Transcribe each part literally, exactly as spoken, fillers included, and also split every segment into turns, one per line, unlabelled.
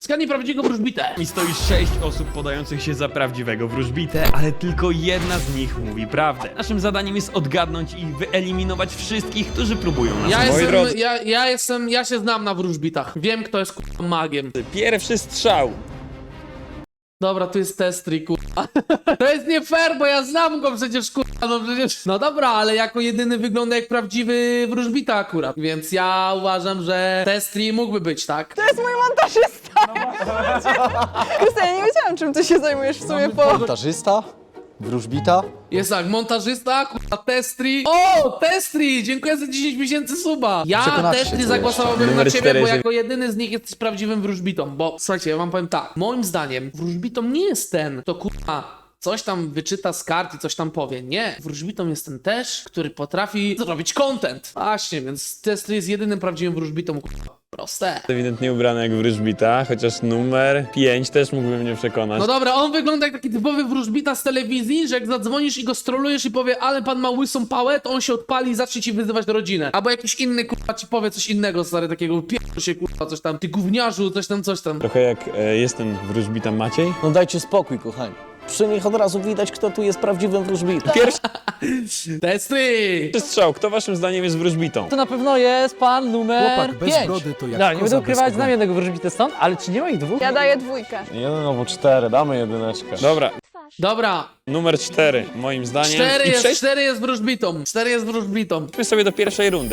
Skanie prawdziwego wróżbitę.
I stoi sześć osób podających się za prawdziwego wróżbitę, ale tylko jedna z nich mówi prawdę. Naszym zadaniem jest odgadnąć i wyeliminować wszystkich, którzy próbują nas.
Ja
Moi
jestem,
drodzy,
ja, ja jestem, ja się znam na wróżbitach. Wiem, kto jest kurwa magiem.
pierwszy strzał.
Dobra, tu jest Testry, kurwa. To jest nie fair, bo ja znam go przecież, kurwa, no przecież... No dobra, ale jako jedyny wygląda jak prawdziwy wróżbita akurat, więc ja uważam, że Testry mógłby być, tak?
To jest mój montażysta! Krystian, ja nie wiedziałam, czym ty się zajmujesz w sumie po...
Montażysta? Wróżbita?
Jest tak, montażysta, kurwa, Testry. O, Testry! Dziękuję za dziesięć miesięcy suba. Ja
Przekonacie się,
Testry
co
zagłosowałbym
jeszcze.
na
Numer
ciebie,
cztery,
bo
że-
jako jedyny z nich jesteś prawdziwym wróżbitą. Bo słuchajcie, ja wam powiem tak. Moim zdaniem wróżbitą nie jest ten, kto kurwa coś tam wyczyta z kart i coś tam powie. Nie. Wróżbitą jest ten też, który potrafi zrobić content. Właśnie, więc Testry jest jedynym prawdziwym wróżbitą, kurwa. Proste.
Ewidentnie ubrany jak wróżbita, chociaż numer pięć też mógłby mnie przekonać.
No dobra, on wygląda jak taki typowy wróżbita z telewizji, że jak zadzwonisz i go strolujesz i powie, ale pan ma łysą pałę, to on się odpali i zacznie ci wyzywać rodzinę. Albo jakiś inny kurwa ci powie coś innego, stary, takiego pierdol się kurwa, coś tam, ty gówniarzu, coś tam, coś tam.
Trochę jak e, jest ten wróżbita Maciej.
No dajcie spokój, kochani. Przy nich od razu widać, kto tu jest prawdziwym wróżbitą.
Pierwszy
Testry!
strzał, kto waszym zdaniem jest wróżbitą?
To na pewno jest pan numer
Chłopak bez
pięć.
brody to jak
No, nie będę
koza bez
ukrywać,
ogona.
znam jednego wróżbitę stąd, ale czy nie ma ich dwóch?
Ja daję dwójkę.
Jeden albo cztery, damy jedyneczkę.
Dobra,
Dobra,
numer cztery, moim zdaniem.
cztery
I
jest,
przejdźmy
cztery jest wróżbitą, cztery jest wróżbitą.
sobie do pierwszej rundy.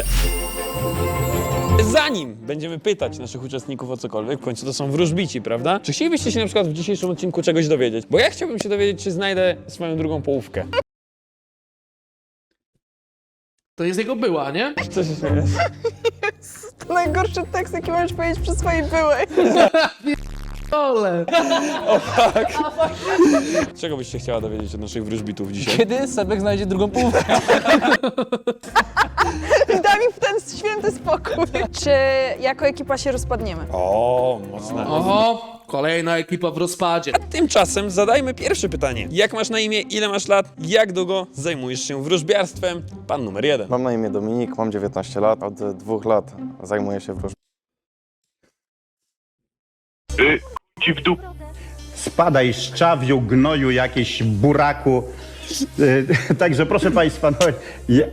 Zanim będziemy pytać naszych uczestników o cokolwiek, w końcu to są wróżbici, prawda? Czy chcielibyście się na przykład w dzisiejszym odcinku czegoś dowiedzieć? Bo ja chciałbym się dowiedzieć, czy znajdę swoją drugą połówkę.
To jest jego była, nie?
Co się śmiejesz?
To najgorszy tekst, jaki możesz powiedzieć przy swojej byłej.
Ole.
Czego byś się chciała dowiedzieć od naszych wróżbitów dzisiaj?
Kiedy Sebek znajdzie drugą połówkę?
I daj mi w ten święty spokój. Czy jako ekipa się rozpadniemy?
O, mocne.
Oho, kolejna ekipa w rozpadzie.
Tymczasem zadajmy pierwsze pytanie. Jak masz na imię, ile masz lat, jak długo zajmujesz się wróżbiarstwem? Pan numer jeden.
Mam na imię Dominik, mam dziewiętnaście lat, od dwóch lat zajmuję się wróżbitą.
Ci w dół.
Spadaj szczawiu, gnoju, jakieś buraku. E, Także proszę Państwa, no, ja,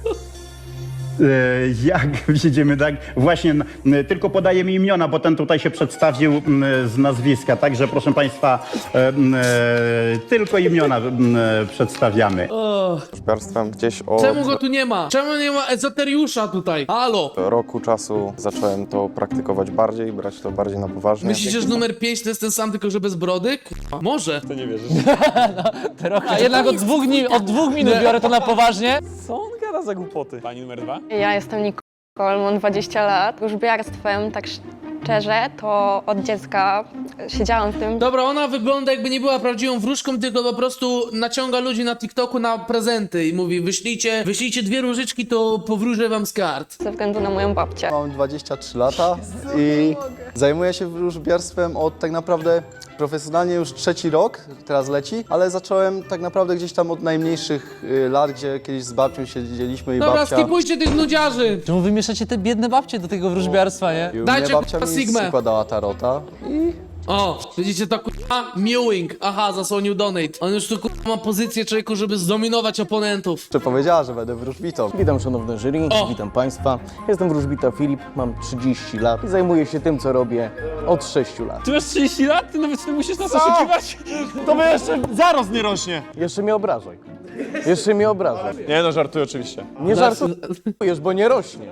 e, jak widzimy, tak, właśnie n- tylko podajemy imiona, bo ten tutaj się przedstawił m, z nazwiska, także proszę Państwa, e, m, e, tylko imiona m, przedstawiamy.
O,
Wróżbiarstwem gdzieś od
czemu go tu nie ma? Czemu nie ma ezoteriusza tutaj? Halo?
roku czasu zacząłem to praktykować bardziej, brać to bardziej na poważnie.
Myślicie, że numer pięć to jest ten sam, tylko że bez brody? Kurwa, może.
To nie wierzysz.
A jednak od dwóch, dni, od dwóch minut biorę to na poważnie.
Co on gada za głupoty? Pani numer dwa?
Ja jestem Nicole, mam dwadzieścia lat. Wróżbiarstwem, tak szczerze, to od dziecka siedziałam w tym.
Dobra, ona wygląda jakby nie była prawdziwą wróżką, tylko po prostu naciąga ludzi na TikToku na prezenty i mówi wyślijcie, wyślijcie dwie różyczki, to powróżę wam z kart.
Ze względu na moją babcię.
Mam dwadzieścia trzy lata i zajmuję się wróżbiarstwem od tak naprawdę profesjonalnie już trzeci rok, teraz leci, ale zacząłem tak naprawdę gdzieś tam od najmniejszych y, lat, gdzie kiedyś z babcią siedzieliśmy i
Dobra,
babcia...
skipujcie tych nudziarzy.
Czemu wy mieszacie te biedne babcie do tego wróżbiarstwa, nie?
I u
Dajcie,
mnie babcia
kurwa,
mi
Sigmę.
składała tarota i
O, widzicie to kurwa? Mewing. Aha, zasłonił donate. On już tu kurwa ma pozycję człowieku, żeby zdominować oponentów.
jeszcze powiedziała, że będę wróżbitą.
Witam szanowne jury,
O!
witam Państwa. Jestem wróżbita Filip, mam trzydzieści lat i zajmuję się tym, co robię od sześciu lat.
Ty masz trzydzieści lat? Ty nawet nie musisz nas oszukiwać?
To my jeszcze zaraz nie rośnie.
Jeszcze mnie obrażaj. Jeszcze mnie obrażaj.
Nie no, żartuję oczywiście.
Nie żartujesz, bo nie rośnie.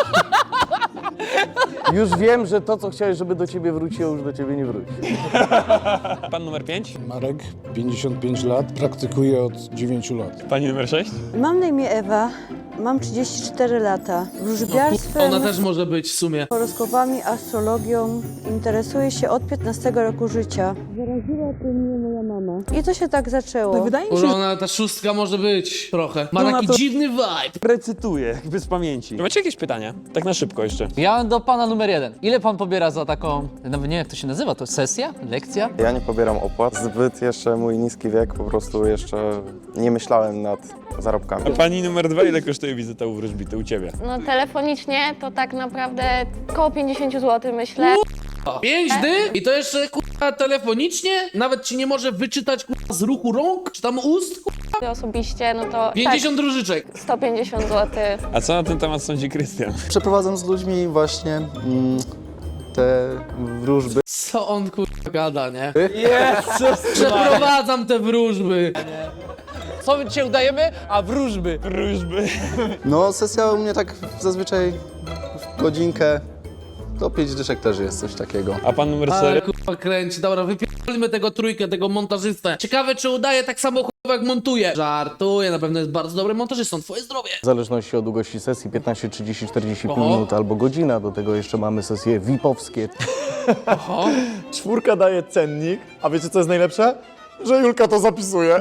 Już wiem, że to, co chciałeś, żeby do ciebie wróciło, już do ciebie nie wróci.
Pan numer pięć?
Marek, pięćdziesiąt pięć lat, praktykuję od dziewięciu lat.
Pani numer sześć?
Mam na imię Ewa, mam trzydzieści cztery lata. Wróżbiarstwem,
Ona też może być w sumie.
horoskopami, astrologią interesuję się od piętnastego roku życia. Zaraziła to mnie moja mama. I to się tak zaczęło.
Wydaje mi
Może
się,
ona, ta szóstka może być trochę. Ma
No,
taki
to-
dziwny vibe.
Recytuję, jakby z pamięci. Macie jakieś pytania? Tak na szybko jeszcze.
Ja do pana numer jeden. Ile pan pobiera za taką, nawet nie wiem jak to się nazywa, to sesja? Lekcja?
Ja nie pobieram opłat, zbyt jeszcze mój niski wiek, po prostu jeszcze nie myślałem nad zarobkami.
A pani numer dwa, ile kosztuje wizyta u wróżbity u ciebie?
No telefonicznie to tak naprawdę około pięćdziesiąt złotych myślę.
kurwa. Pięć dy i to jeszcze kurwa telefonicznie? Nawet ci nie może wyczytać kurwa z ruchu rąk? Czy tam ust? Kurwa?
Osobiście, no to
pięćdziesiąt różyczek.
tak, sto pięćdziesiąt złotych.
A co na ten temat sądzi Krystian?
Przeprowadzam z ludźmi właśnie mm, te wróżby.
Co on kurwa gada, nie? Przeprowadzam te wróżby.
Co my dzisiaj udajemy? A wróżby.
Wróżby.
No, sesja u mnie tak zazwyczaj w godzinkę. To pięć dyszek też jest coś takiego.
A pan numer
Ale
cztery?
kurwa kręci. Dobra, wypierdolimy tego trójkę, tego montażystę. Ciekawe, czy udaje tak samo kurwa jak montuje. Żartuję, na pewno jest bardzo dobrym montażystą. Twoje zdrowie.
W zależności od długości sesji piętnaście, trzydzieści, czterdzieści pięć
Oho.
minut albo godzina. Do tego jeszcze mamy sesje V I P-owskie.
Oho.
Czwórka daje cennik, a wiecie co jest najlepsze? Że Julka to zapisuje.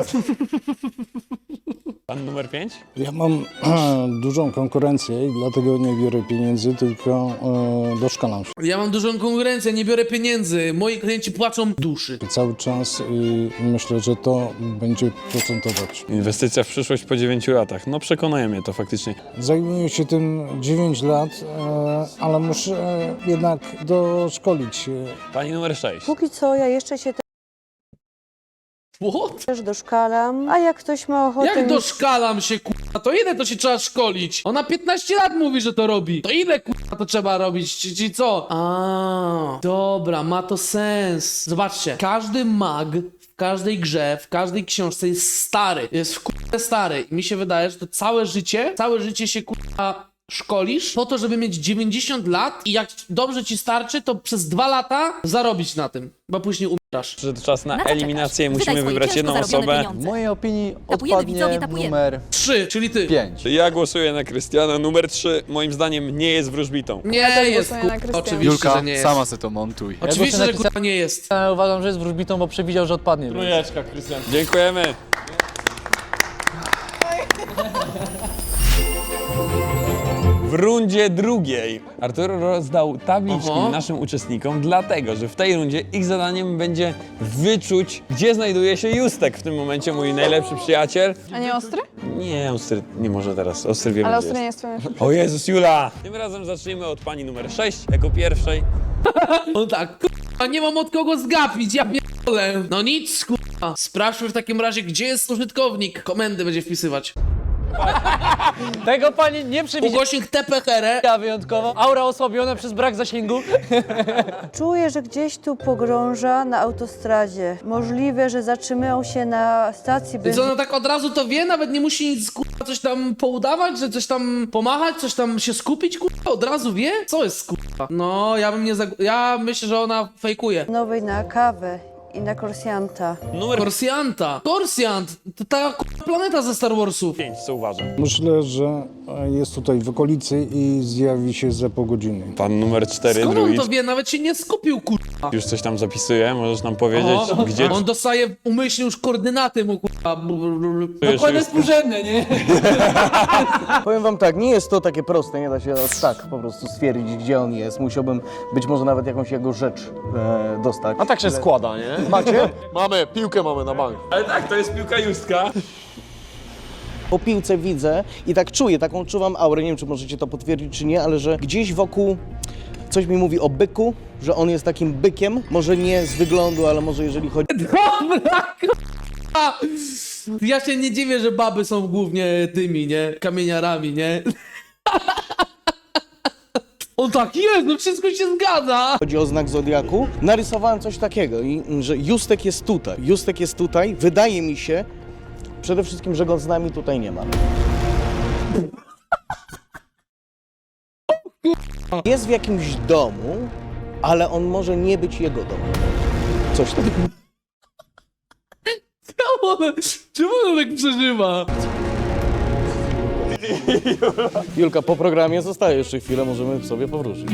Pan numer pięć?
Ja mam dużą konkurencję i dlatego nie biorę pieniędzy, tylko e, doszkalam się
Ja mam dużą konkurencję, nie biorę pieniędzy. Moi klienci płaczą duszy.
cały czas i myślę, że to będzie procentować.
Inwestycja w przyszłość po dziewięciu latach. No przekonuje mnie to faktycznie.
Zajmuję się tym dziewięć lat, e, ale muszę jednak doszkolić się.
Pani numer sześć.
Póki co ja jeszcze się
What?
też doszkalam, a jak ktoś ma ochotę...
Jak doszkalam się, kurwa, to ile to się trzeba szkolić? Ona piętnaście lat mówi, że to robi. To ile, kurwa, to trzeba robić? Czy, czy co? A, dobra, ma to sens. Zobaczcie, każdy mag w każdej grze, w każdej książce jest stary. Jest w kurwa stary. I mi się wydaje, że to całe życie, całe życie się, kurwa, szkolisz po to, żeby mieć dziewięćdziesiąt lat i jak dobrze ci starczy, to przez dwa lata zarobić na tym, bo później umierasz.
Przyszedł czas na
Na co
eliminację.
czekasz?
Musimy
Wydaj swoje
wybrać
ciężko
jedną
zarobione
osobę.
pieniądze.
W mojej opinii
Tapujemy, widzowie,
odpadnie
tapujemy.
numer
Trzy, czyli ty.
pięć.
Ja głosuję na Krystiana. Numer trzy moim zdaniem nie jest wróżbitą.
Nie
też
jest,
głosuję na
kurwa,
Krystiana.
oczywiście,
Julka,
że nie jest.
sama se to montuj.
Oczywiście,
Ja
że
głosuję na
kurwa nie jest.
Ja uważam, że jest wróżbitą, bo przewidział, że odpadnie.
Trójeczka, Krystian. Dziękujemy. W rundzie drugiej Arturo rozdał tabliczki
Oho.
naszym uczestnikom, dlatego że w tej rundzie ich zadaniem będzie wyczuć, gdzie znajduje się Justek w tym momencie, mój najlepszy przyjaciel.
A nie ostry?
Nie, Ostry nie może teraz, Ostry wiemy,
Ale
gdzie
ostry nie
jest.
jest twoim.
O Jezus, Jula! Tym razem zacznijmy od pani numer sześć, jako pierwszej.
On tak, kurwa, nie mam od kogo zgapić, ja pierdolę. No nic, kurwa. Sprawdźmy w takim razie, gdzie jest użytkownik. Komendy będzie wpisywać.
Tego pani nie przewidziała
Ugośnik T P H R.
wyjątkowo. Aura osłabiona przez brak zasięgu.
Czuję, że gdzieś tu pogrąża na autostradzie. Możliwe, że zatrzymał się na stacji
Więc
benzynowej.
ona tak od razu to wie, nawet nie musi nic, kurwa, coś tam poudawać, że coś tam pomachać, coś tam się skupić, kurwa, od razu wie? Co jest, kurwa? No, ja bym nie zag... Ja myślę, że ona fejkuje.
na kawę i na korsjanta.
Numer
Korsjanta. Korsjant! To ta kurwa planeta ze Star Warsów.
pięć, co uważam?
Myślę, że jest tutaj w okolicy i zjawi się za pół godziny.
Pan numer cztery,
Skąd on
druid.
to wie? Nawet się nie skupił, kurwa.
Już coś tam zapisuje, możesz nam powiedzieć,
O,
gdzie...
on dostaje umyślnie już koordynaty mu, kurwa.
jeszcze jest-
współrzędne, nie?
Powiem wam tak, nie jest to takie proste, nie da się tak po prostu stwierdzić, gdzie on jest. Musiałbym być może nawet jakąś jego rzecz e, dostać.
A tak się składa, nie?
Macie?
Mamy, piłkę mamy na bank.
Ale tak, to jest piłka Justka.
Po piłce widzę i tak czuję, taką czuwam aurę, nie wiem, czy możecie to potwierdzić, czy nie, ale że gdzieś wokół coś mi mówi o byku, że on jest takim bykiem, może nie z wyglądu, ale może jeżeli chodzi...
Dobra, kurwa. Ja się nie dziwię, że baby są głównie tymi, nie? Kamieniarami, nie? On tak jest, no wszystko się zgadza.
Chodzi o znak Zodiaku, narysowałem coś takiego, i, że Justek jest tutaj. Justek jest tutaj, wydaje mi się przede wszystkim, że go z nami tutaj nie ma. Jest w jakimś domu, ale on może nie być jego domem. Coś takiego.
Czemu on, czemu on tak przeżywa?
Julka, po programie zostaje jeszcze chwilę, możemy sobie powrócić.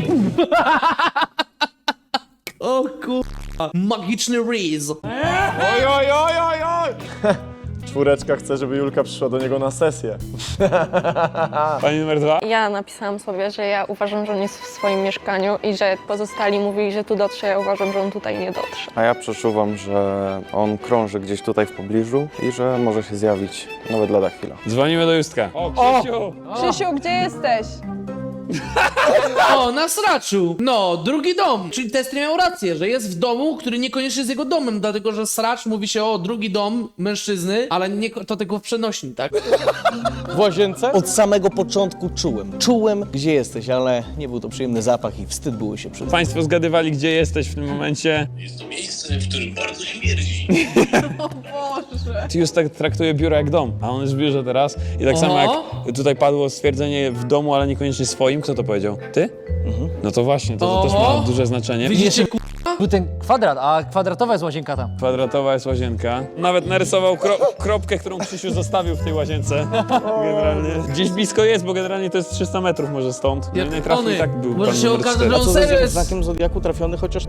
O kurwa. Magiczny Reez.
Oj, oj, oj, oj, oj! Czwóreczka chce, żeby Julka przyszła do niego na sesję.
Pani numer dwa.
Ja napisałam sobie, że ja uważam, że on jest w swoim mieszkaniu i że pozostali mówili, że tu dotrze, ja uważam, że on tutaj nie dotrze.
A ja przeczuwam, że on krąży gdzieś tutaj w pobliżu i że może się zjawić nawet lada chwila.
Dzwonimy do Justka. O, Krzysiu!
Krzysiu, gdzie jesteś?
O, na sraczu. No, drugi dom. Czyli Testry miał rację, że jest w domu, który niekoniecznie jest jego domem, dlatego że sracz mówi się o drugi dom mężczyzny, ale nie, to tylko w przenośni, tak?
W łazience? Od samego początku czułem. Czułem, gdzie jesteś, ale nie był to przyjemny zapach i wstyd było się przyznać.
Państwo zgadywali, gdzie jesteś w tym momencie.
Jest to miejsce, w którym bardzo śmierdzi.
O Boże.
Tius tak traktuje biuro jak dom, a on jest w biurze teraz. I tak samo
Oho.
jak tutaj padło stwierdzenie w domu, ale niekoniecznie swoim. Kto to powiedział? Ty? No to właśnie, to, to też
Oho.
ma duże znaczenie.
Widzicie, ku...
Był ten kwadrat, a kwadratowa jest łazienka tam.
Kwadratowa jest łazienka. Nawet narysował kro kropkę, którą Krzysiu zostawił w tej łazience. Generalnie. Gdzieś blisko jest, bo generalnie to jest trzysta metrów może stąd.
Jak
Najtrafniej
Tony.
tak był
Może
pan
się
numer
okaże,
cztery.
że
A
on
co
serio
ze
jest...
znakiem Zodiaku trafiony, chociaż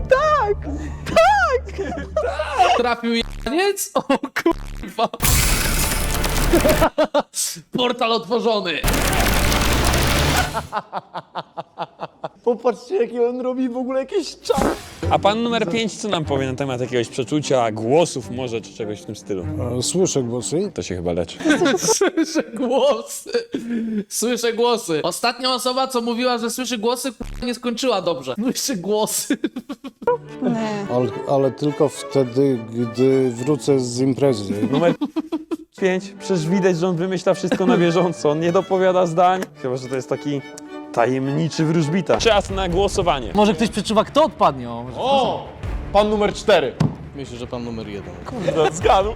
Trafił janiec? O kurwa. Portal otworzony.
popatrzcie, jaki on robi w ogóle jakieś czas.
A pan numer pięć co nam powie na temat jakiegoś przeczucia, głosów może, czy czegoś w tym stylu?
E, Słyszę głosy.
To się chyba leczy.
Słyszę głosy. Słyszę głosy. Ostatnia osoba, co mówiła, że słyszy głosy, kurwa, nie skończyła dobrze. Słyszy głosy.
Nie.
Ale, ale tylko wtedy, gdy wrócę z imprezy.
Numer pięć. Przecież widać, że on wymyśla wszystko na bieżąco. On nie dopowiada zdań. Chyba, że to jest taki tajemniczy wróżbita. Czas na głosowanie.
Może ktoś przeczuwa, kto odpadnie. O, może-
O! Pan numer cztery. Myślę, że pan numer jeden.
Kurde, zgadł.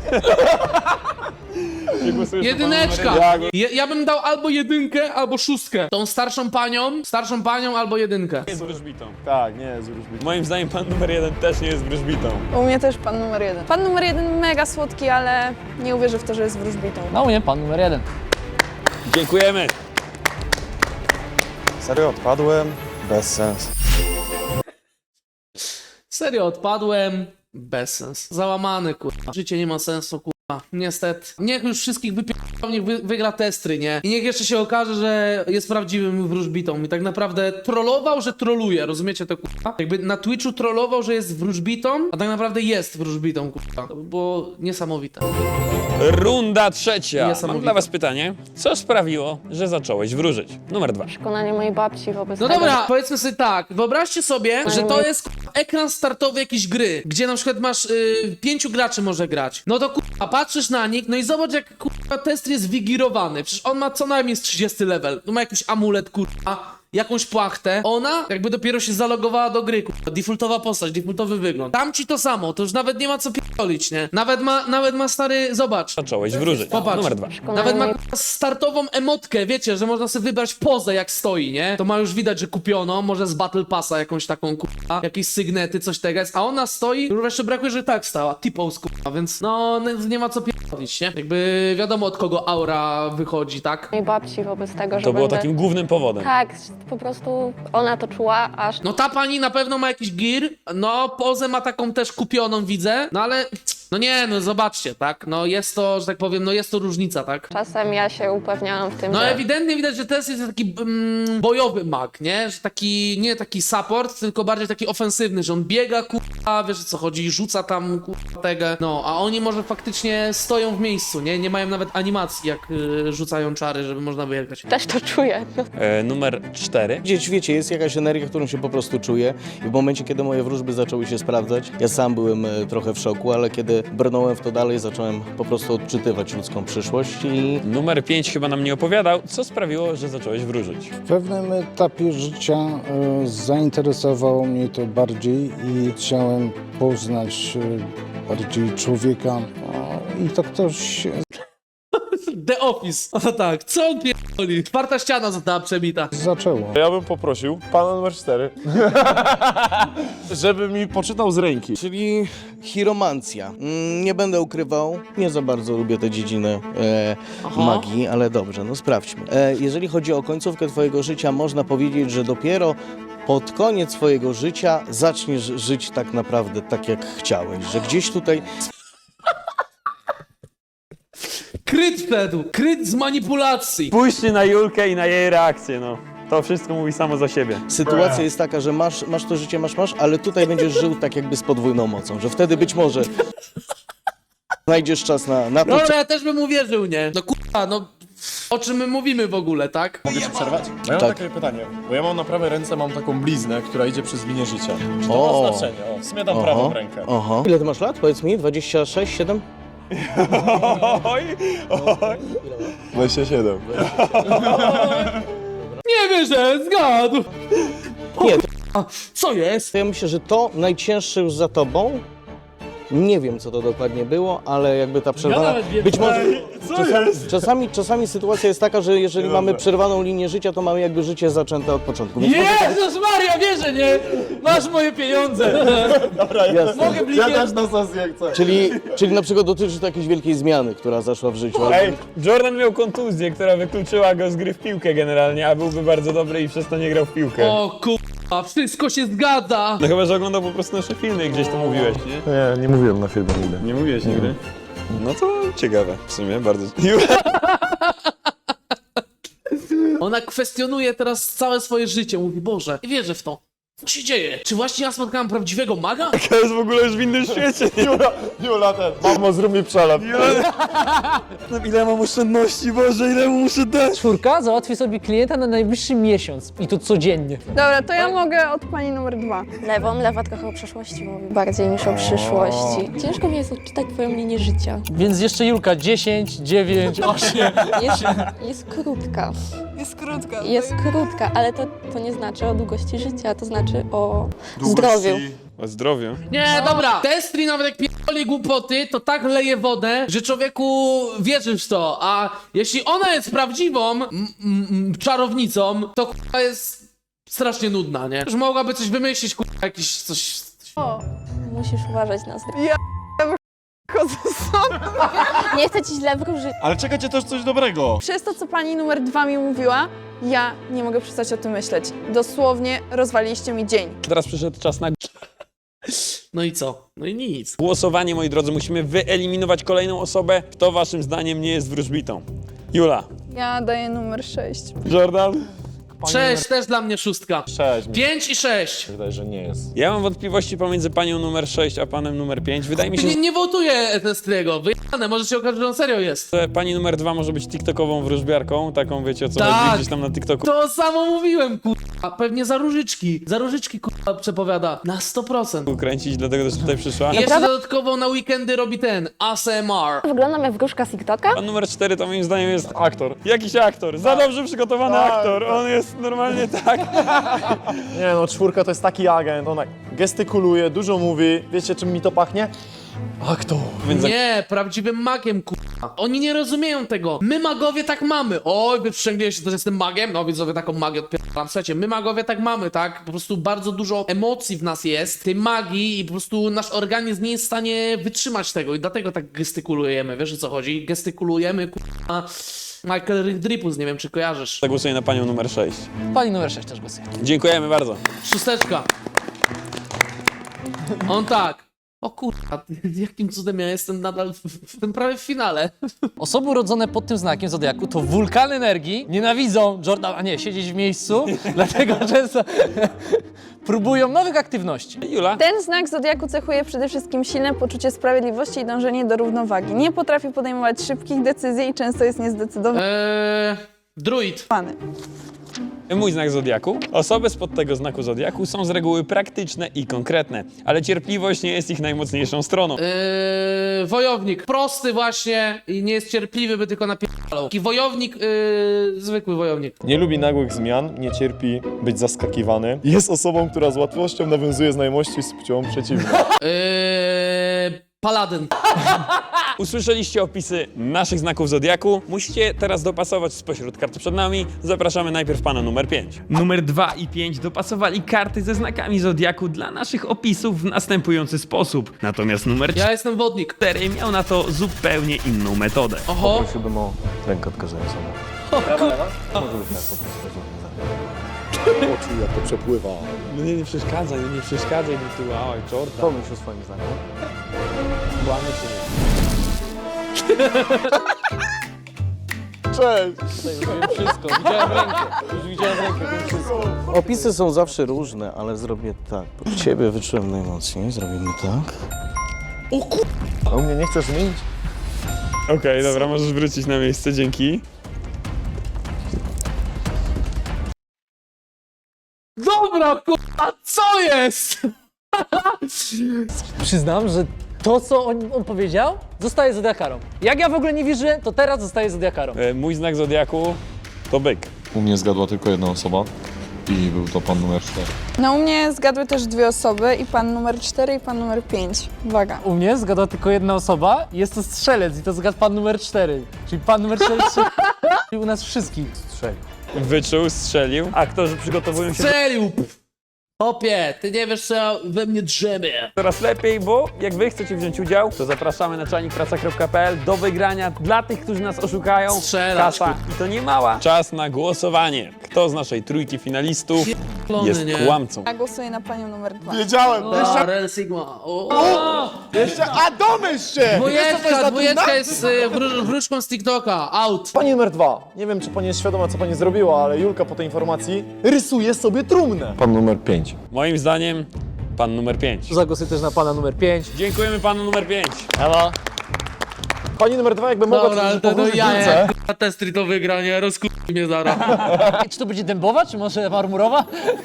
Nie głosujesz na pana
Jedyneczka.
numer jeden.
Ja, ja bym dał albo jedynkę, albo szóstkę. Tą starszą panią, starszą panią albo jedynkę.
Nie jest wróżbitą.
Tak, nie jest wróżbitą.
Moim zdaniem pan numer jeden też nie jest wróżbitą.
U mnie też pan numer jeden. Pan numer jeden mega słodki, ale nie uwierzę w to, że jest wróżbitą.
No nie, pan numer jeden.
Dziękujemy.
Serio, odpadłem? Bez sensu.
Serio, odpadłem. Bez sens. Załamany, kurwa. Życie nie ma sensu, kurwa. Niestety. Niech już wszystkich wypierdolą, niech wy, wygra Testry, nie? I niech jeszcze się okaże, że jest prawdziwym wróżbitą. I tak naprawdę trollował, że troluje. Rozumiecie to, kurwa? Jakby na Twitchu trollował, że jest wróżbitą, a tak naprawdę jest wróżbitą, kurwa. To by było niesamowite.
Runda trzecia.
Niesamowite.
Mam dla was pytanie. Co sprawiło, że zacząłeś wróżyć? Numer dwa.
Przekonanie mojej babci wobec
No
tego,
dobra, powiedzmy sobie tak. Wyobraźcie sobie, że to jest kurwa, ekran startowy jakiejś gry, gdzie na przykład masz y, pięciu graczy może grać. No to kurwa, patrzysz na nich, no i zobacz jak kurwa Testry jest wigirowany. Przecież on ma co najmniej z trzydziesty level. Tu ma jakiś amulet, kurwa. Jakąś płachtę. Ona jakby dopiero się zalogowała do gry, kurwa. Defaultowa postać, defaultowy wygląd. Tam ci to samo, to już nawet nie ma co pierdolić, nie? Nawet ma, nawet ma stary, zobacz.
Zacząłeś wróżyć.
Popatrz.
Numer dwa.
Nawet ma kurwa, startową emotkę, wiecie, że można sobie wybrać pozę jak stoi, nie? To ma już widać, że kupiono, może z Battle Passa jakąś taką kurwa, jakieś sygnety, coś tego jest, a ona stoi, już jeszcze brakuje, że tak stała, T-pose kurwa, więc no nie, nie ma co pierdolić, nie? Jakby wiadomo od kogo aura wychodzi, tak?
mojej babci wobec tego, że
To było
będę...
takim głównym powodem.
Tak, po prostu ona to czuła, aż
No ta pani na pewno ma jakiś gear, no pozę ma taką też kupioną, widzę, no ale no nie, no zobaczcie, tak? No jest to, że tak powiem, no jest to różnica, tak?
czasem ja się upewniałam w tym,
No
że...
ewidentnie widać, że Tess jest taki mm, bojowy mag, nie? Że taki, nie taki support, tylko bardziej taki ofensywny, że on biega, kurwa, wiesz o co chodzi, rzuca tam, kurwa, tego. No, a oni może faktycznie stoją w miejscu, nie? Nie mają nawet animacji, jak y, rzucają czary, żeby można wyjechać.
Też to czuję. No.
E, numer cztery.
Gdzieś, wiecie, jest jakaś energia, którą się po prostu czuję i w momencie, kiedy moje wróżby zaczęły się sprawdzać, ja sam byłem e, trochę w szoku, ale kiedy brnąłem w to dalej, zacząłem po prostu odczytywać ludzką przyszłość i
Numer pięć chyba nam nie opowiadał. Co sprawiło, że zacząłeś wróżyć?
W pewnym etapie życia e, zainteresowało mnie to bardziej i chciałem poznać e, bardziej człowieka. O, I to ktoś
The Office. O tak, co on pierdoli? Czwarta ściana została przebita.
zaczęło.
Ja bym poprosił pana numer cztery, żeby mi poczytał z ręki.
czyli chiromancja. Mm, nie będę ukrywał, nie za bardzo lubię tę dziedzinę e,
Aha.
magii, ale dobrze, no sprawdźmy. E, jeżeli chodzi o końcówkę twojego życia, można powiedzieć, że dopiero pod koniec swojego życia zaczniesz żyć tak naprawdę tak, jak chciałeś, że gdzieś tutaj
Kryt wszedł, kryt z manipulacji.
Spójrzcie na Julkę i na jej reakcję, no. To wszystko mówi samo za siebie.
sytuacja jest taka, że masz, masz to życie, masz, masz, ale tutaj będziesz żył tak jakby z podwójną mocą, że wtedy być może znajdziesz czas na, na to,
Dobra, ja też bym uwierzył, nie? No kurwa, no... o czym my mówimy w ogóle, tak?
Mogę ci przerwać? Bo ja mam takie pytanie, bo ja mam na prawej ręce mam taką bliznę, która idzie przez linię życia. Czy to
O.
ma znaczenie? O, w sumie dam prawą rękę.
Aha. Ile ty masz lat? Powiedz mi, dwadzieścia sześć, siedem?
Oj, oj. dwadzieścia siedem.
Nie wierzę, zgadł!
Nie,
A, co jest?
to ja myślę, że to najcięższe już za tobą. Nie wiem, co to dokładnie było, ale jakby ta przerwana... Być może... Czasami, czasami, czasami sytuacja jest taka, że jeżeli mamy przerwaną linię życia, to mamy jakby życie zaczęte od początku. Więc może tak-
Jezus Maria, wierzę, nie? Masz moje pieniądze!
Jasne.
Mogę blikiem...
Ja też na sesję chcę.
Czyli, czyli na przykład dotyczy to jakiejś wielkiej zmiany, która zaszła w życiu. albo-
Ej, Jordan miał kontuzję, która wykluczyła go z gry w piłkę generalnie, a byłby bardzo dobry i przez to nie grał w piłkę.
O kurwa, wszystko się zgadza!
No chyba, że oglądał po prostu nasze filmy i gdzieś to mówiłeś, nie?
Nie, nie mówiłem na filmie nigdy.
Nie mówiłeś nigdy? No to ciekawe, w sumie, bardzo.
Ona kwestionuje teraz całe swoje życie, mówi, Boże, nie wierzę w to. Co się dzieje? Czy właśnie ja spotkałam prawdziwego maga?
To jest w ogóle już w innym świecie.
Jula, Jula ten. Mamo, zrób mi przelep.
No ile mam oszczędności, Boże, ile mu muszę dać?
Czwórka załatwi sobie klienta na najbliższy miesiąc i to codziennie.
Dobra, to ja mogę od pani numer dwa.
Lewą, lewa trochę o przeszłości mówi, bardziej niż o przyszłości. Ciężko mi jest odczytać twoją linię życia.
Więc jeszcze Julka dziesięć, dziewięć, osiem.
Jest, jest krótka.
Jest krótka.
Jest krótka, ale to, to nie znaczy o długości życia, to znaczy o zdrowiu.
O zdrowiu.
Nie, dobra. Testri nawet jak pierdoli głupoty, to tak leje wodę, że człowieku wierzysz w to. A jeśli ona jest prawdziwą m, m, czarownicą, to kurwa jest strasznie nudna, nie? Już mogłaby coś wymyślić, kurwa, jakiś coś...
O,
Musisz uważać na zdrowie.
chodzę sobie.
Nie chcę ci źle wróżyć.
Ale czekajcie też coś dobrego.
Przez to, co pani numer dwa mi mówiła, ja nie mogę przestać o tym myśleć. Dosłownie rozwaliliście mi dzień.
Teraz przyszedł czas na
No i co? No i nic.
głosowanie, moi drodzy. Musimy wyeliminować kolejną osobę. Kto waszym zdaniem nie jest wróżbitą? Jula.
Ja daję numer sześć.
Jordan.
Sześć, też dla mnie szóstka.
Sześć. Mi się
Pięć i sześć.
wydaje, że nie jest.
Ja mam wątpliwości pomiędzy panią numer sześć a panem numer pięć. Wydaje mi się,
Nie, nie wołtuję Testriego, wyjane, może się okaże, że on serio jest.
że pani numer dwa może być tiktokową wróżbiarką. Taką, wiecie o co
Tak.
chodzi, gdzieś tam na TikToku.
To samo mówiłem, kurwa. Pewnie za różyczki. Za różyczki, kurwa, przepowiada. Na sto procent.
Kręcić, dlatego też tutaj przyszła.
I jeszcze dodatkowo na weekendy robi ten A S M R.
Wyglądam jak wróżka z TikToka.
Pan numer cztery to moim zdaniem jest aktor. Jakiś aktor. Za dobrze przygotowany aktor. On jest normalnie tak.
Nie no, czwórka to jest taki agent, ona gestykuluje, dużo mówi. Wiecie, czym mi to pachnie? Aktor.
Więc
Nie, prawdziwym magiem, kurwa. Oni nie rozumieją tego. My magowie tak mamy. Oj, wy przysięgliście, że jestem magiem? No widzowie, taką magię odpieram. Słuchajcie, my magowie tak mamy, tak? Po prostu bardzo dużo emocji w nas jest, tej magii i po prostu nasz organizm nie jest w stanie wytrzymać tego i dlatego tak gestykulujemy. Wiesz o co chodzi? Gestykulujemy, kurwa. Michael Dripus, nie wiem czy kojarzysz.
zagłosuję na panią numer sześć.
Pani numer sześć też głosuje.
Dziękujemy bardzo.
Szósteczka. On tak. O kurwa, jakim cudem ja jestem nadal w, w tym prawie w finale.
Osoby urodzone pod tym znakiem zodiaku to wulkan energii, nienawidzą Jordan, a nie, siedzieć w miejscu, dlatego często próbują nowych aktywności.
Jula.
Ten znak zodiaku cechuje przede wszystkim silne poczucie sprawiedliwości i dążenie do równowagi. Nie potrafi podejmować szybkich decyzji i często jest niezdecydowany.
Eee, druid.
Mój znak zodiaku. Osoby spod tego znaku zodiaku są z reguły praktyczne i konkretne, ale cierpliwość nie jest ich najmocniejszą stroną.
Eee, wojownik. Prosty właśnie i nie jest cierpliwy, by tylko napierdalał. Taki wojownik, eee, zwykły wojownik.
Nie lubi nagłych zmian, nie cierpi być zaskakiwany. Jest osobą, która z łatwością nawiązuje znajomości z płcią przeciwną.
Eee, paladyn.
Usłyszeliście opisy naszych znaków zodiaku. Musicie teraz dopasować spośród kart przed nami. Zapraszamy najpierw pana numer pięć. Numer dwa i pięć dopasowali karty ze znakami zodiaku dla naszych opisów w następujący sposób. Natomiast numer
Ja jestem wodnik.
cztery miał na to zupełnie inną metodę.
Oho.
Prosiłbym o rękę odkazującą. Oczu jak to przepływa.
No nie, nie przeszkadzaj, nie przeszkadzaj mi tu, oj, czorta.
Pomyśl o swoim zdaniu.
Łamie się.
Cześć!
Już wszystko, widziałem rękę, już widziałem rękę, już wszystko.
Opisy są zawsze różne, ale zrobię tak. Pod ciebie wyczułem najmocniej, zrobimy tak.
A u mnie nie chcesz zmienić?
Okej, dobra, możesz wrócić na miejsce, dzięki.
Dobra, kurwa, co jest?
Przyznam, że to, co on, on powiedział, zostaje zodiakarą. Jak ja w ogóle nie wierzyłem, to teraz zostaje zodiakarą.
E, Mój znak zodiaku to byk.
U mnie zgadła tylko jedna osoba i był to pan numer cztery.
No u mnie zgadły też dwie osoby i pan numer cztery i pan numer pięć. Uwaga.
U mnie zgadła tylko jedna osoba, jest to strzelec i to zgadł pan numer cztery. Czyli pan numer cztery strzelił. I u nas wszystkich strzelił.
Wyczuł, strzelił. Aktorzy przygotowują się
Strzelił! Hopie, ty nie wiesz, co ja we mnie drzemie.
coraz lepiej, bo jak wy chcecie wziąć udział, to zapraszamy na czajnikpraca kropka p l do wygrania dla tych, którzy nas oszukają.
Strzelać,
Kasa i to nie mała. Czas na głosowanie. Kto z naszej trójki finalistów
Pierdolony,
jest
nie?
kłamcą?
Ja głosuję na panią numer dwa.
Wiedziałem!
O, Real Sigma. O, o.
Jeszcze, a domyśl się!
Dwójeczka, dwójeczka jest y, wró- wróżką z TikToka. Out.
Pani numer dwa. Nie wiem, czy pani jest świadoma, co pani zrobiła, ale Julka po tej informacji rysuje sobie trumnę.
Pan numer pięć.
Moim zdaniem pan numer pięć.
Zagłosuję też na pana numer pięć.
Dziękujemy panu numer pięć.
Ewa.
Pani numer dwa jakby mogła
Dobra, ale
coś
to no
powrócić
ja,
Julce.
jak k***a testry to wygranie, rozkuj mnie zaraz.
Czy to będzie dębowa, czy może marmurowa?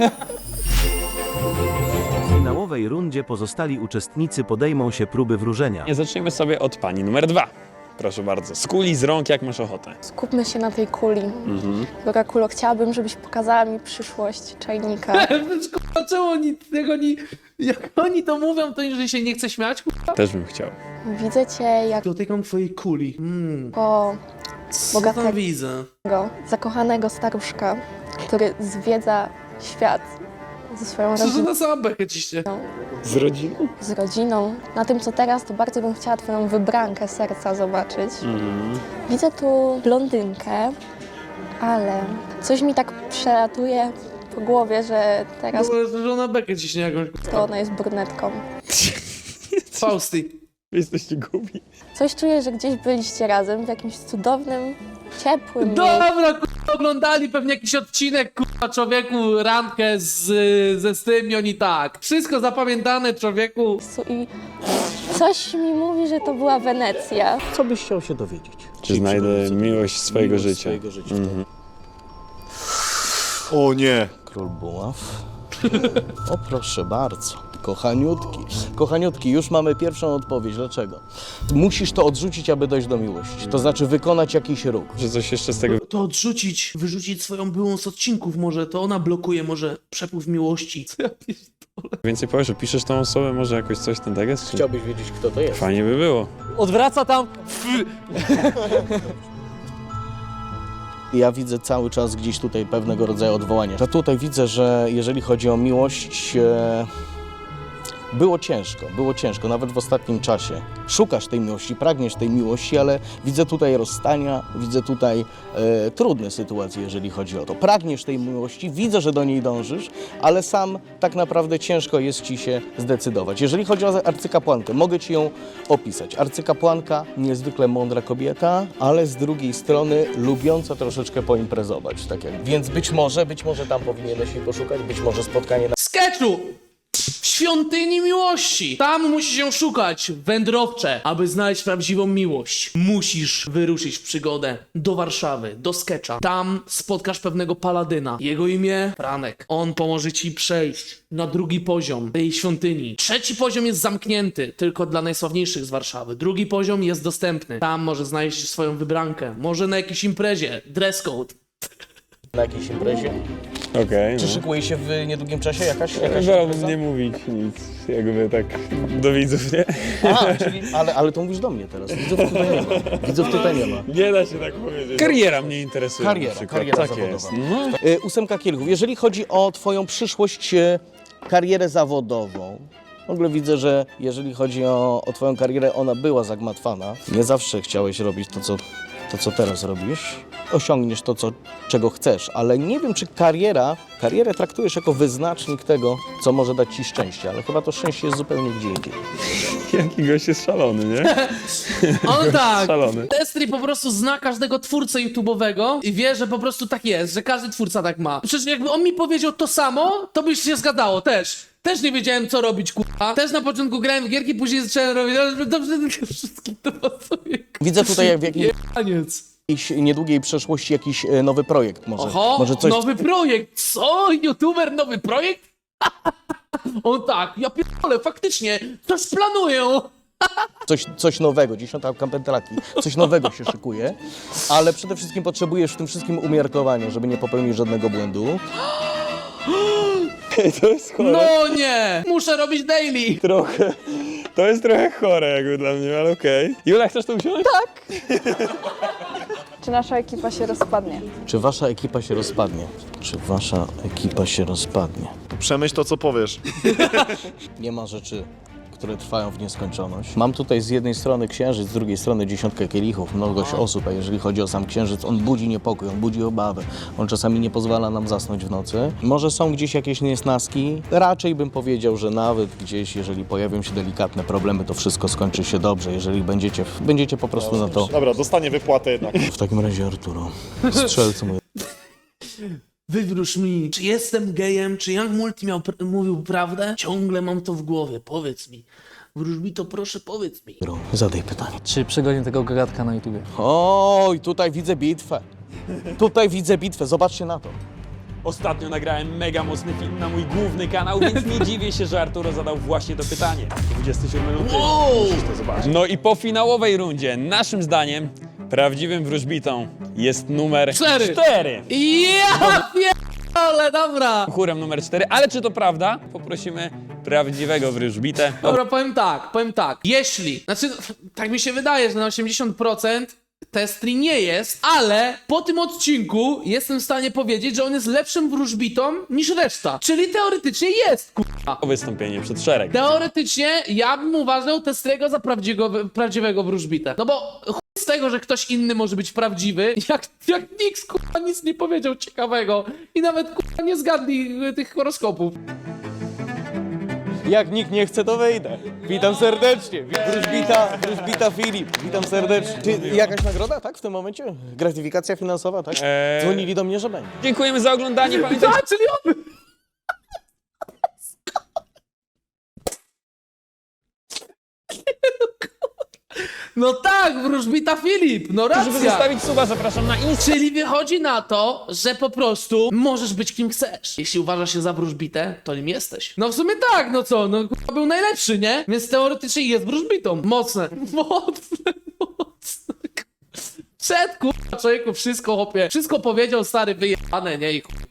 W finałowej rundzie pozostali uczestnicy podejmą się próby wróżenia.
Nie zaczniemy sobie od pani numer dwa. Proszę bardzo. Z kuli, z rąk, jak masz ochotę.
Skupmy się na tej kuli.
Mhm.
Droga Kulo, chciałabym, żebyś pokazała mi przyszłość czajnika.
Kurwa, czemu oni, jak oni, jak oni to mówią, to że się nie chce śmiać, kurwa?
Też bym chciał.
Widzę cię jako
Dotykam twojej kuli. Mm. Co tam
bogatego,
widzę?
zakochanego staruszka, który zwiedza świat ze swoją
Co to
rodziną,
na samą bekę ciśnie?
Z rodziną?
z rodziną. Na tym, co teraz, to bardzo bym chciała twoją wybrankę serca zobaczyć.
Mhm.
Widzę tu blondynkę, ale coś mi tak przelatuje po głowie, że teraz
Że ona bekę ciśnie jakąś.
to ona jest brunetką.
Fausty.
Jesteście głupi.
Coś czuję, że gdzieś byliście razem w jakimś cudownym, ciepłym miejscu.
Dobra, kurwa, oglądali pewnie jakiś odcinek, kurwa, człowieku, randkę z, ze z tym i oni tak. Wszystko zapamiętane, człowieku.
I coś mi mówi, że to była Wenecja.
Co byś chciał się dowiedzieć?
Czy znajdę miłość swojego
Miłość
życia?
swojego życia.
Mhm.
O nie!
Król buław. O proszę bardzo. Kochaniutki. Kochaniutki, już mamy pierwszą odpowiedź. Dlaczego? Musisz to odrzucić, aby dojść do miłości. To znaczy wykonać jakiś ruch.
Że coś jeszcze z tego...
To odrzucić, wyrzucić swoją byłą z odcinków może, to ona blokuje może przepływ miłości. Co ja pierdolę?
Więcej powiesz, opiszesz tą osobę, może jakoś coś ten tekst? Czy...
Chciałbyś wiedzieć, kto to jest?
Fajnie by było.
Odwraca tam.
Ja widzę cały czas gdzieś tutaj pewnego rodzaju odwołanie. Ja tutaj widzę, że jeżeli chodzi o miłość, e, było ciężko, było ciężko, nawet w ostatnim czasie. Szukasz tej miłości, pragniesz tej miłości, ale widzę tutaj rozstania, widzę tutaj e, trudne sytuacje, jeżeli chodzi o to. Pragniesz tej miłości, widzę, że do niej dążysz, ale sam tak naprawdę ciężko jest ci się zdecydować. Jeżeli chodzi o arcykapłankę, mogę ci ją opisać. Arcykapłanka, niezwykle mądra kobieta, ale z drugiej strony lubiąca troszeczkę poimprezować. Tak jak. Więc być może, być może tam powinieneś jej poszukać, być może spotkanie na...
Sketchu! W świątyni miłości! Tam musisz się szukać, wędrowcze, aby znaleźć prawdziwą miłość. Musisz wyruszyć w przygodę do Warszawy, do Sketcha. Tam spotkasz pewnego paladyna. Jego imię Franek. On pomoże ci przejść na drugi poziom tej świątyni. Trzeci poziom jest zamknięty, tylko dla najsławniejszych z Warszawy. Drugi poziom jest dostępny. Tam może znaleźć swoją wybrankę. Może na jakiejś imprezie. Dress code.
na jakiejś imprezie.
Okej.
Czy
no.
szykuje się w niedługim czasie jakaś, jakaś
Wolałbym
impreza?
nie mówić nic, jakby tak do widzów, nie?
A, czyli, ale, ale to mówisz do mnie teraz. Widzów tutaj nie ma. Widzów tutaj nie ma.
Nie da się tak powiedzieć. Kariera mnie interesuje. na
Kariera,
przykład.
kariera
tak
zawodowa.
jest. No.
Y, Ósemka kielichów. Jeżeli chodzi o twoją przyszłość, y, karierę zawodową, w ogóle widzę, że jeżeli chodzi o, o twoją karierę, ona była zagmatwana. Nie zawsze chciałeś robić to, co, to, co teraz robisz. Osiągniesz to, co, czego chcesz, ale nie wiem, czy kariera, karierę traktujesz jako wyznacznik tego, co może dać ci szczęście, ale chyba to szczęście jest zupełnie gdzie indziej.
Jaki gość jest szalony, nie?
On tak,
Szalony.
Destry po prostu zna każdego twórcę YouTube'owego i wie, że po prostu tak jest, że każdy twórca tak ma. Przecież jakby on mi powiedział to samo, to by się zgadało też. Też nie wiedziałem, co robić, kurwa. Też na początku grałem w gierki, później zacząłem robić, ale dobrze, wszystkim to pasuje.
Widzę tutaj, jak w jakim...
Jebaniec.
jakiejś niedługiej przeszłości jakiś e, nowy projekt może.
Oho,
może coś...
nowy projekt, co? YouTuber, nowy projekt? On tak, ja pierdolę, faktycznie, coś planuję.
Coś, coś nowego, dziesiąta pętlaki, coś nowego się szykuje, ale przede wszystkim potrzebujesz w tym wszystkim umiarkowania, żeby nie popełnić żadnego błędu.
To jest chore.
No nie, muszę robić daily.
Trochę. To jest trochę chore jakby dla mnie, ale okej. Jula, chcesz tu usiąść?
Tak. Czy nasza ekipa się rozpadnie?
Czy wasza ekipa się rozpadnie? Czy wasza ekipa się rozpadnie?
Przemyśl to, co powiesz.
Nie ma rzeczy, które trwają w nieskończoność. Mam tutaj z jednej strony księżyc, z drugiej strony dziesiątkę kielichów, mnogość osób, a jeżeli chodzi o sam księżyc, on budzi niepokój, on budzi obawę. On czasami nie pozwala nam zasnąć w nocy. Może są gdzieś jakieś niesnaski? Raczej bym powiedział, że nawet gdzieś, jeżeli pojawią się delikatne problemy, to wszystko skończy się dobrze, jeżeli będziecie, będziecie po prostu na to...
Dobra, dostanie wypłatę jednak.
W takim razie, Arturo, strzelcu mój.
Wywróż mi, czy jestem gejem, czy Young Multi miał pr- mówił prawdę? Ciągle mam to w głowie, powiedz mi. Wróżbito, proszę, powiedz mi.
Zadaj pytanie.
Czy przegonię tego gagatka na YouTubie?
Oj, tutaj widzę bitwę. Tutaj widzę bitwę, zobaczcie na to.
Ostatnio nagrałem mega mocny film na mój główny kanał, więc nie dziwię się, że Arturo zadał właśnie to pytanie. dwudziestej siódmej luty.
Wow!
Musisz to zobaczyć. No i po finałowej rundzie, naszym zdaniem, prawdziwym wróżbitą jest numer
Cztery.
cztery.
Ja pierdolę, dobra.
Chórem numer cztery, ale czy to prawda? Poprosimy prawdziwego wróżbitę.
Dobra, powiem tak, powiem tak. Jeśli, znaczy, tak mi się wydaje, że na osiemdziesiąt procent Testri nie jest, ale po tym odcinku jestem w stanie powiedzieć, że on jest lepszym wróżbitą niż reszta. Czyli teoretycznie jest, kurwa.
Wystąpienie przed szereg.
Teoretycznie ja bym uważał Testriego za prawdziwego, prawdziwego wróżbitę. No bo chuj z tego, że ktoś inny może być prawdziwy, jak, jak nikt kurwa nic nie powiedział ciekawego i nawet kurwa nie zgadli y, tych horoskopów.
Jak nikt nie chce, to wejdę. Witam serdecznie. Wróżbita, wróżbita Filip. Witam serdecznie. Czy jakaś nagroda, tak, w tym momencie? Gratyfikacja finansowa, tak?
Eee.
Dzwonili do mnie, że będzie.
Dziękujemy za oglądanie. Pamiętajcie,
Tak, czyli on... No tak, wróżbita Filip, no
żeby
racja.
zostawić suba, zapraszam na Insta.
Czyli wychodzi na to, że po prostu możesz być kim chcesz. Jeśli uważasz się za wróżbitę, to nim jesteś. No w sumie tak, no co, no kurwa był najlepszy, nie? Więc teoretycznie jest wróżbitą. Mocne. Mocne, mocne. Przed kurwa człowieku wszystko chłopie. Wszystko powiedział stary wyjebane, nie? I kurwa